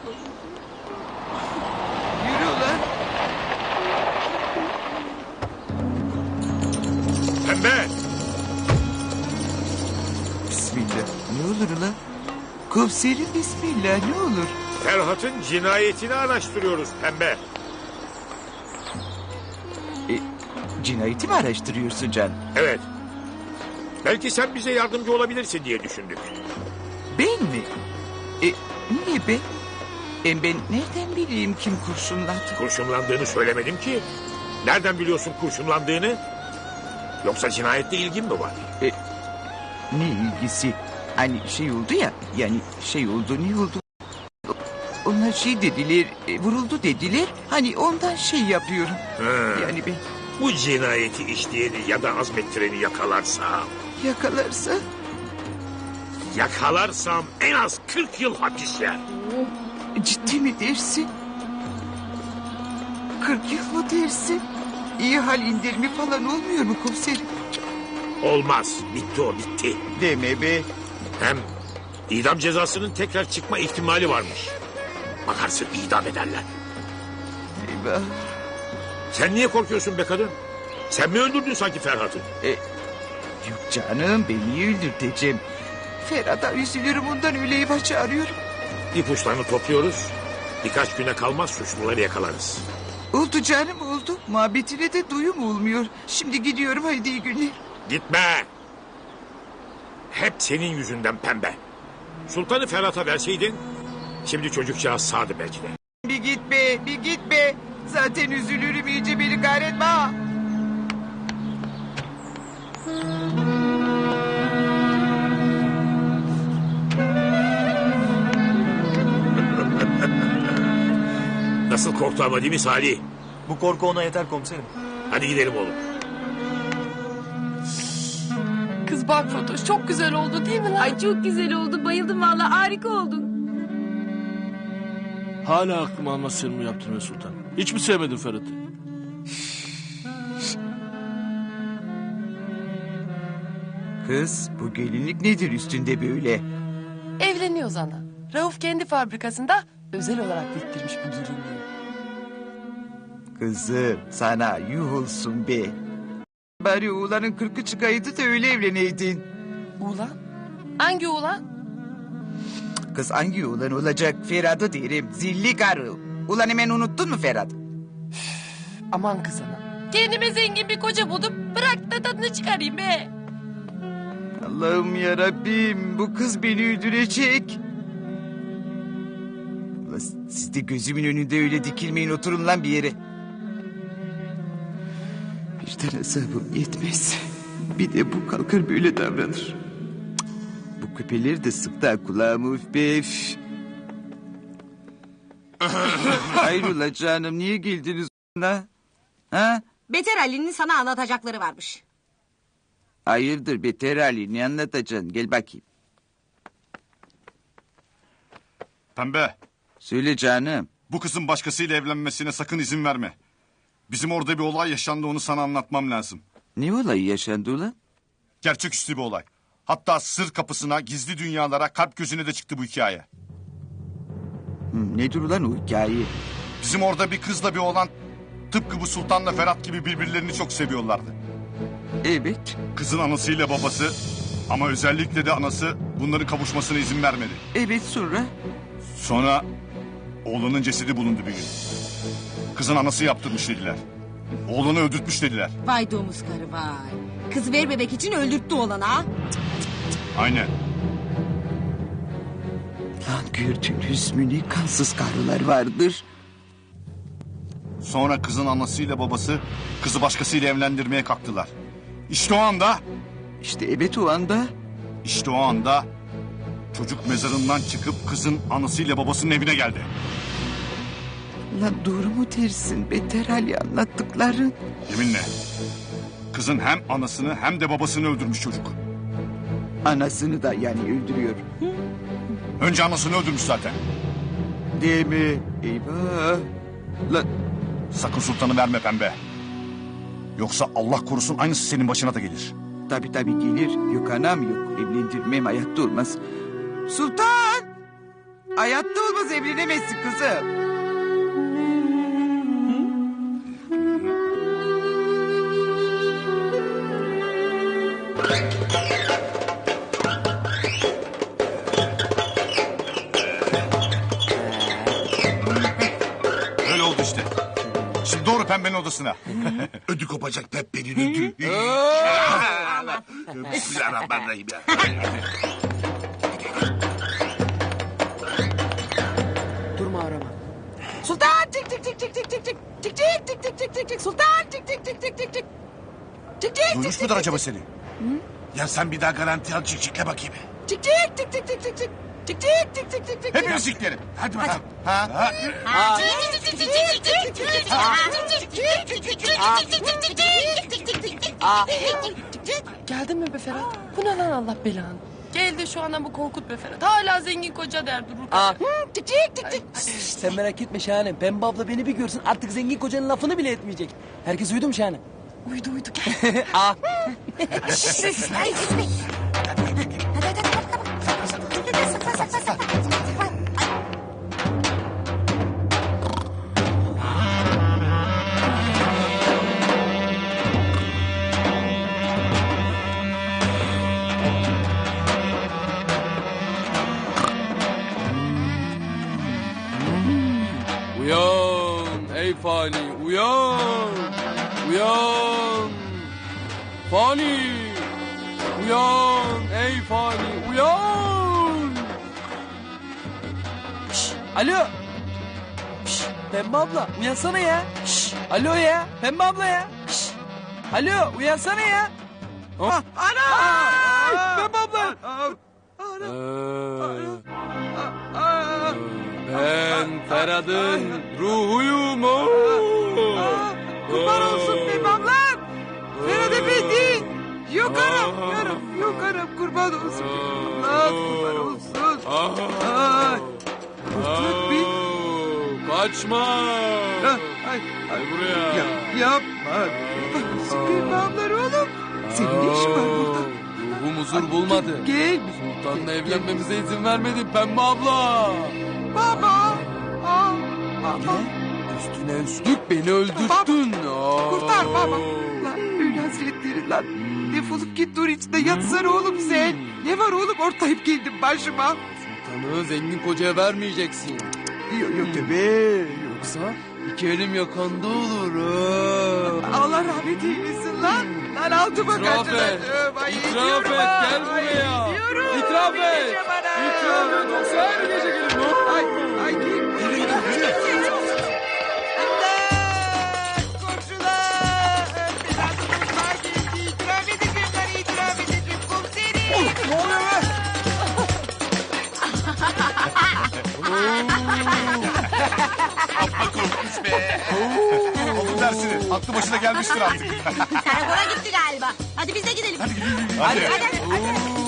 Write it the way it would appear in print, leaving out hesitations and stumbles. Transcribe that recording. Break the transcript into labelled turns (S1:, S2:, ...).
S1: Yürü ulan.
S2: Pembe!
S1: Bismillah. Ne olur ulan? Komiserim bismillah ne olur?
S2: Ferhat'ın cinayetini araştırıyoruz Pembe.
S1: Cinayeti mi araştırıyorsun Can?
S2: Evet. Belki sen bize yardımcı olabilirsin diye düşündük.
S1: Ben mi? Niye ben? Ben nereden bileyim kim kurşunladı?
S2: Kurşunlandığını söylemedim ki. Nereden biliyorsun kurşunlandığını? Yoksa cinayetle ilgin mi var?
S1: Ne ilgisi? Hani şey oldu ya, yani şey oldu, ne oldu? Onlar şey dediler, vuruldu dediler. Hani ondan şey yapıyorum. Yani ben
S2: Bu cinayeti işleyeni ya da azmettireni yakalarsam... Yakalarsam en az 40 yıl hapis yer.
S1: Ciddi mi dersin? 40 yıl mı dersin? İyi hal indirimi falan olmuyor mu komiserim?
S2: Olmaz. Bitti o, bitti.
S1: Deme be.
S2: Hem idam cezasının tekrar çıkma ihtimali varmış. Bakarsın idam ederler.
S1: Eyvah.
S2: Sen niye korkuyorsun be kadın? Sen mi öldürdün sanki Ferhat'ı?
S1: Yok canım, ben niye öldürteceğim? Ferhat'a üzülürüm, ondan öyle eyvah çağırıyorum.
S2: İpuçlarını topluyoruz. Birkaç güne kalmaz suçluları yakalarız.
S1: Oldu canım, oldu. Muhabbetine de duyum olmuyor. Şimdi gidiyorum, haydi iyi günler.
S2: Gitme. Hep senin yüzünden Pembe. Sultanı Ferhat'a verseydin... Şimdi çocukcağız sağdı belki de.
S1: Bir git be, bir git be. Zaten üzülürüm, iyice beni kahretme ha.
S2: Nasıl korktu ama değil mi Salih?
S3: Bu korku ona yeter komiserim.
S2: Hadi gidelim oğlum.
S4: Kız bak Fatoş çok güzel oldu değil mi lan?
S5: Ay çok güzel oldu. Bayıldım vallahi, harika oldun.
S6: Hala aklım almaz senin bu yaptığını Sultan. Hiç mi sevmedin Ferhat'ı?
S1: Kız, bu gelinlik nedir üstünde böyle?
S4: Evleniyoruz ana. Rauf kendi fabrikasında özel olarak diktirmiş bu gelinliği.
S1: Kızım, sana yuh olsun be. Bari oğlanın 40'ı çıkaydı da öyle evleneydin.
S4: Ulan? Hangi ulan?
S1: Kız hangi oğlan olacak? Ferhat'ı derim, zilli karı. Ulan hemen unuttun mu Ferhat?
S4: Aman kız ana. Kendime zengin bir koca buldum. Bırak da tadını çıkarayım be.
S1: Allah'ım yarabbim, bu kız beni öldürecek. Ulan siz de gözümün önünde öyle dikilmeyin, oturun lan bir yere. Bir tane hesabım yetmez. Bir de bu kalkar böyle davranır. Cık, bu küpeleri de sıktı ha kulağımı, üf be üf. Hayrola canım, niye geldiniz ona? Ha?
S5: Beter Ali'nin sana anlatacakları varmış.
S1: Hayırdır Beter Ali, ne anlatacaksın? Gel bakayım.
S7: Pembe,
S1: Söyle canım.
S7: bu kızın başkasıyla evlenmesine sakın izin verme. Bizim orada bir olay yaşandı, onu sana anlatmam lazım.
S1: Ne olayı yaşandı ulan?
S7: Gerçeküstü bir olay. Hatta sır kapısına, gizli dünyalara, kalp gözüne de çıktı bu hikaye.
S1: Nedir ulan o hikaye?
S7: Bizim orada bir kızla bir oğlan tıpkı bu Sultan'la Ferhat gibi birbirlerini çok seviyorlardı.
S1: Evet.
S7: Kızın anasıyla babası ama özellikle de anası bunların kavuşmasına izin vermedi.
S1: Evet, sonra?
S7: Sonra oğlanın cesedi bulundu bir gün. Kızın anası yaptırmış dediler. Oğlanı öldürtmüş dediler.
S5: Vay domuz karı vay. Kız vermemek için öldürttü olanı ha.
S7: Aynen.
S1: Lan gördünüz mü ne kansız karılar vardır.
S7: Sonra kızın anasıyla babası kızı başkasıyla evlendirmeye kalktılar. İşte o anda,
S1: İşte evet o anda.
S7: işte o anda çocuk mezarından çıkıp kızın anasıyla babasının evine geldi.
S1: Lan doğru mu dersin Beter Ali anlattıkların?
S7: Yeminle. Kızın hem anasını hem de babasını öldürmüş çocuk.
S1: Anasını da yani öldürüyor.
S7: Önce anasını öldürmüş zaten.
S1: Değil mi? Eyvah. Lan
S7: Sakın sultanı verme Pembe. Yoksa Allah korusun aynısı senin başına da gelir.
S1: tabii gelir. Yok anam yok. Evlendirmem hayatta olmaz. Sultan! Hayatta olmaz, evlenemezsin kızım.
S7: Öyle oldu işte. Şimdi doğru pembenin odasına.
S8: Ödü kopacak Peppe'nin ödü. Bismillahirrahmanirrahim ya.
S4: Durma arama. Sultan tik tik tik tik tik tik tik tik tik tik tik tik tik tik Sultan tik tik tik tik tik tik tik tik
S7: Duymuş mudur acaba seni?
S8: Ya sen bir daha garanti al çiçekle bakayım.
S4: tik tik tik tik tik tik tik tik tik tik tik tik
S7: Hepiniz siklerim.
S8: Hadi bakalım.
S7: Ha?
S4: Geldin mi be Ferhat? Bu ne lan Allah belanı? Geldi şu andan bu Korkut be Ferhat. Hala zengin koca der durur. Tik tik tik tik.
S9: Sen merak etme Şahane. Pembe abla beni bir görsün artık zengin kocanın lafını bile etmeyecek. Herkes uyudu mu Şahane?
S4: Uyudu uyudu gel.
S6: Uyan ey fani uyan. Uyan. Fani. Uyan ey fani uyan.
S9: Alo. Şş, Pembe abla uyansana ya. Şş, alo ya. Pembe abla ya. Şş, alo uyansana ya.
S1: Ana!
S9: Pembe abla.
S6: Ben Ferhat'ın ruhuyum.
S1: Kurban olsun benim ablam. Ferhat Efendi. Yok anam, yok anam, kurban olsun. Allah kurban olsun. Ay. Kurtuluk bir.
S6: Kaçma.
S1: Ay,
S6: Gel buraya.
S1: yapma. Kurban olsun benim ablar oğlum. Senin ne işin var burada?
S6: Ruhum huzur bulmadı.
S1: Gel.
S6: Sultan'la evlenmemize izin vermedin Pembe abla.
S1: Baba.
S6: Üstüne üstlük beni öldürttün.
S1: Kurtar baba. Lan öyle hasretleri lan. Defolup git dur içinde yatsana oğlum sen. Ne var oğlum ortayıp geldin başıma.
S6: Sultan'ı zengin kocaya vermeyeceksin.
S1: Yok tabii.
S6: Yoksa iki elim yakanda olur.
S1: Allah rahmet eylesin lan. Lan altıma
S6: İtiraf
S1: kaçırdım.
S6: et.
S1: Ay,
S6: İtiraf
S1: gidiyorum
S6: et.
S1: ha.
S6: Gel buraya.
S1: Ay, gidiyorum.
S6: İtiraf et.
S1: Gideceğim ana.
S6: İtiraf et. Yoksa her gece gelin.
S1: Ay git. İmdat! Komşular! Belasınız var geldi. İtiraf edeceğim lan, itiraf edeceğim komiserim.
S7: Ne oluyor be?
S8: Amma korkmuş be.
S7: Oldu dersini. Aklı başına gelmiştir artık.
S5: Karakola gitti galiba. Hadi biz de gidelim.
S7: Hadi.
S5: Hadi.